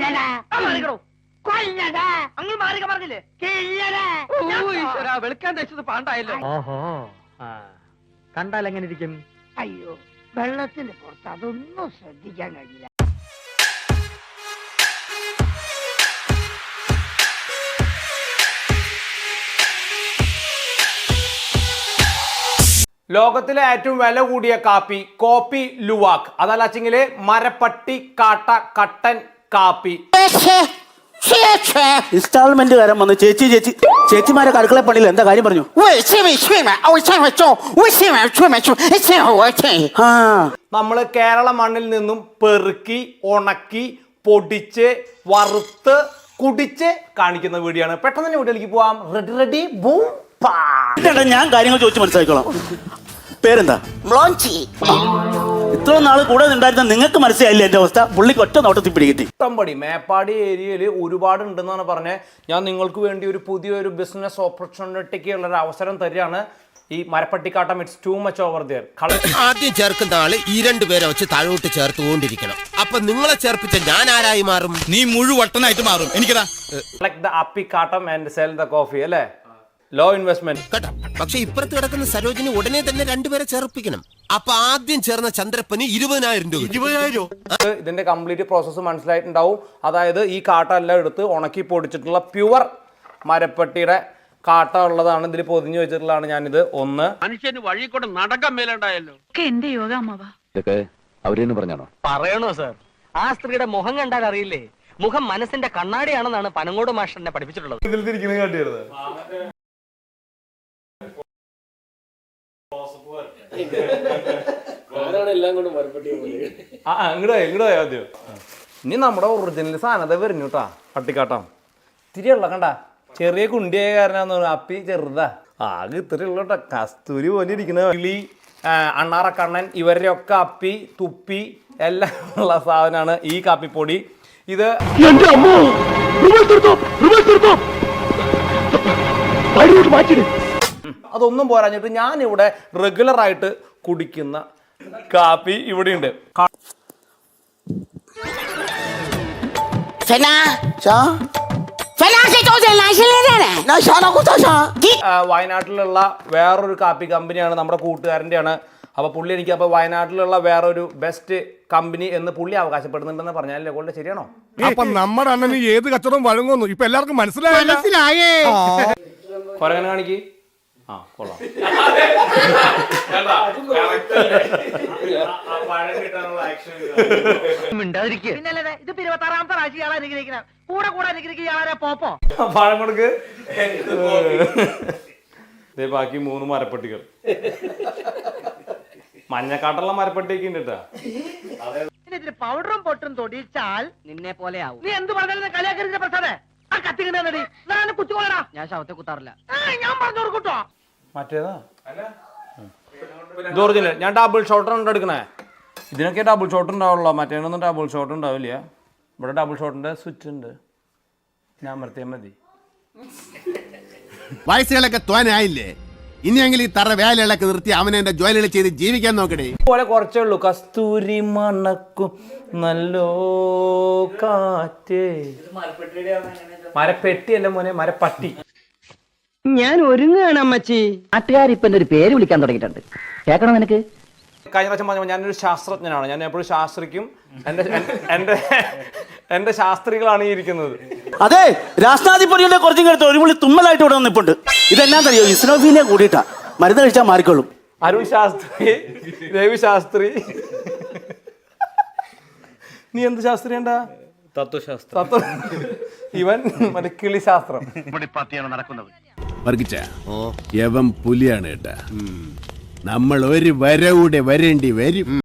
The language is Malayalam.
അങ്ങ് മാറിക പറഞ്ഞില്ലേ വെളുക്കാൻ തയ്ച്ചത് പാണ്ടായല്ലോ. ഓഹോ, കണ്ടാൽ എങ്ങനെ ഇരിക്കും? അയ്യോ, വെള്ളത്തിന്റെ പുറത്ത് അതൊന്നും ശ്രദ്ധിക്കാൻ കഴിയില്ല. ലോകത്തിലെ ഏറ്റവും വില കൂടിയ കാപ്പി കോപ്പി ലുവാക്, അതല്ലെങ്കില് മരപ്പട്ടി കാട്ട കട്ടൻ കാപ്പി. ഇൻസ്റ്റാൾമെന്റ് കാരൻ വന്ന് ചേച്ചിമാരെ അടുക്കള പണിയില്ല എന്താ കാര്യം പറഞ്ഞു? നമ്മള് കേരള മണ്ണിൽ നിന്നും പെറുക്കി ഉണക്കി പൊടിച്ച് വറുത്ത് കുടിച്ച് കാണിക്കുന്ന വീഡിയോ ആണ്. പെട്ടെന്ന് തന്നെ വീഡിയോയിലേക്ക് പോവാം. Ready boom. ഞാൻ കാര്യങ്ങൾ ചോദിച്ചു മനസ്സിലാക്കിക്കോളാം. പേരെന്താ? ഇത്ര നാള് കൂടെ ഉണ്ടായിരുന്ന നിങ്ങൾക്ക് മനസ്സിലായില്ല എന്റെ അവസ്ഥ. പുള്ളിക്ക് ഒറ്റ നോട്ടത്തിൽ പിടികിട്ടി. ഇഷ്ടംപടി മേപ്പാടി ഏരിയയിൽ ഒരുപാട് ഉണ്ടെന്നാണ് പറഞ്ഞത്. ഞാൻ നിങ്ങൾക്ക് വേണ്ടി ഒരു പുതിയൊരു ബിസിനസ് ഓപ്പർച്യൂണിറ്റിക്ക് ഉള്ള ഒരു അവസരം തരികയാണ്. ഈ മരപ്പട്ടിക്കാട്ടം it's too much over there. ആദ്യം ചേർക്കുന്ന ആള് ഈ രണ്ടുപേരെ വെച്ച് താഴോട്ട് ചേർത്തുകൊണ്ടിരിക്കണം. അപ്പൊ നിങ്ങളെ ചേർപ്പിച്ച ഞാൻ ആരായി മാറും? നീ മുഴുവട്ടനായിട്ട് മാറും. എനിക്കതാ കളക്ട് ദ അപ്പിക്കാട്ടം ആൻഡ് സെൽ ദ കോഫി അല്ലേ? ലോ ഇൻവെസ്റ്റ്മെന്റ് കേട്ടോ. പക്ഷെ ഇപ്പുറത്ത് കിടക്കുന്ന സരോജിനി ഉടനെ തന്നെ രണ്ടുപേരെ ചേർപ്പിക്കണം. അപ്പൊ ആദ്യം ചേർന്ന ചന്ദ്രപ്പന് 20,000 രൂപ. 20,000? ഇതിന്റെ കംപ്ലീറ്റ് പ്രോസസ്സ് മനസ്സിലായിട്ടുണ്ടാവും. അതായത് ഈ കാട്ട എല്ലാം എടുത്ത് ഉണക്കി പൊടിച്ചിട്ടുള്ള പ്യുവർ മരപ്പട്ടിയുടെ കാട്ട ഉള്ളതാണ് ഇതിൽ പൊതിഞ്ഞു വെച്ചിട്ടുള്ളതാണ്. ഞാനിത് ഒന്ന് മനുഷ്യന് വഴി കൊണ്ട് നടക്കാൻ മേലുണ്ടായല്ലോ. എന്റെ യോഗ അമ്മവാ ഇതൊക്കെ അവരെന്ന് പറഞ്ഞാണോ? പറയണോ സാർ? ആ സ്ത്രീയുടെ മുഖം കണ്ടാൽ അറിയില്ലേ? മുഖം മനസ്സിന്റെ കണ്ണാടിയാണെന്നാണ് പനങ്ങോട് മാഷ് എന്നെ പഠിപ്പിച്ചിട്ടുള്ളത്. ഇതിൽ തിരിക്കുന്നത് കാട്ടിയത് ഇങ്ങോട്ടോ ആദ്യം. ഇനി നമ്മുടെ ഒറിജിനൽ സാധനത വരുന്നു കേട്ടാ. പട്ടിക്കാട്ടം ഇത്തിരിയുള്ള കണ്ട ചെറിയ കുണ്ടിയായ കാരനാന്ന് അപ്പി ചെറുതാ. ആകെ ഇത്തിരി ഉള്ള കേട്ടോ. കസ്തൂരി പോലെ ഇരിക്കുന്ന കിളി, അണ്ണാറക്കണ്ണൻ ഇവരുടെ ഒക്കെ അപ്പി തുപ്പി എല്ലാം ഉള്ള സാധനമാണ് ഈ കാപ്പിപ്പൊടി. ഇത് അതൊന്നും പോരാഞ്ഞിട്ട് ഞാൻ ഇവിടെ റെഗുലർ ആയിട്ട് കുടിക്കുന്ന കാപ്പി ഇവിടെയുണ്ട്. വയനാട്ടിലുള്ള വേറൊരു കാപ്പി കമ്പനിയാണ് നമ്മുടെ കൂട്ടുകാരൻ്റെയാണ്. അപ്പൊ പുള്ളി എനിക്ക് അപ്പൊ വയനാട്ടിലുള്ള വേറൊരു ബെസ്റ്റ് കമ്പനി എന്ന് പുള്ളി അവകാശപ്പെടുന്നുണ്ടെന്ന് പറഞ്ഞാലേ കൊണ്ട് ശരിയാണോ? അപ്പൊ നമ്മുടെ അണ്ണന് ഏത് കച്ചവടം വഴങ്ങുന്നു ഇപ്പൊ എല്ലാവർക്കും മനസ്സിലായേ. കൊരങ്ങനെ കാണിക്ക്. ആ കൊള്ളാം. ഇത് 26ാമത്തെ രാശിയാളാ അനുഗ്രഹിക്കണം. കൂടെ കൂടെ അനുഗ്രഹിക്കുക പോപ്പോ പഴം കൊടുക്ക്. ബാക്കി 3 മരപ്പട്ടികൾ. മഞ്ഞക്കാട്ടുള്ള മരപ്പട്ടിയൊക്കെ ഉണ്ട് കേട്ടാ. പൗഡറും പൊട്ടും തൊടിച്ചാൽ നിന്നെ പോലെ ആവും. നീ എന്ത് പറഞ്ഞാലും കലാകാരന്റെ പ്രസാദേ ആ കത്തിങ്ങടി കുത്തിക്കോളടാ. ഞാൻ ശവത്തെ കുത്താറില്ല. ഞാൻ പറഞ്ഞു കൊടുക്കട്ടോ. മറ്റേതാ ഇത് ഒറിജിനൽ. ഞാൻ ഡബിൾ ഷോട്ടർ ഉണ്ട് എടുക്കണേ. ഇതിനൊക്കെ ഡബിൾ ഷോട്ട് ഉണ്ടാവുള്ളൂ. മറ്റേനൊന്നും ഡബിൾ ഷോട്ട് ഉണ്ടാവില്ല. ഇവിടെ ഡബിൾ ഷോട്ടിന്റെ സ്വിച്ച് ഉണ്ട്. ഞാൻ അമർത്തിയാൽ മതി. വയസ്സുകളൊക്കെ തോനായില്ലേ? ഇനിയെങ്കിലും ഈ തറ വേലകളൊക്കെ നിർത്തി അവനെ എന്റെ ജോലികൾ ചെയ്ത് ജീവിക്കാൻ നോക്കണേ. പോലെ കുറച്ചേ ഉള്ളൂ. കസ്തൂരി മണക്കും നല്ലോ കാറ്റ്. മരപ്പെട്ടി അല്ല മോനെ, മരപ്പട്ടി. ഞാൻ ഒരുങ്ങാണ് അമ്മച്ചി. നാട്ടുകാർ ഇപ്പൊ ഒരു പേര് വിളിക്കാൻ തുടങ്ങിയിട്ടുണ്ട്. കേൾക്കണോ നിനക്ക്? കഴിഞ്ഞ പ്രാവശ്യം പറഞ്ഞപ്പോൾ ഞാനൊരു ശാസ്ത്രജ്ഞനാണ്. ഞാൻ എപ്പോഴും ശാസ്ത്രിക്കും. എന്റെ ശാസ്ത്രികളാണ് ഈ ഇരിക്കുന്നത്. അതെ, രാഷ്ട്രാധിപതിയുടെ കുറച്ചും കേട്ട് ഒരു പുള്ളി തുമ്മലായിട്ട് ഇവിടെ വന്നിപ്പുണ്ട്. ഇതെല്ലാം അറിയോ? ഇസ്നോഫീലിയ കൂടിയിട്ടാ. മരുന്ന് കഴിച്ചാൽ മാറിക്കോളും. അരുൺ ശാസ്ത്രി, ദേവി ശാസ്ത്രി. നീ എന്ത് ശാസ്ത്രിയണ്ടാ? തത്വശാസ്ത്രം. ഇവൻ മറ്റേ കിളി ശാസ്ത്രം. നടക്കുന്നത് വർഗിച്ച യവൻ പുലിയാണ് കേട്ടാ. നമ്മൾ ഒരു വരവൂടെ വരേണ്ടി വരും.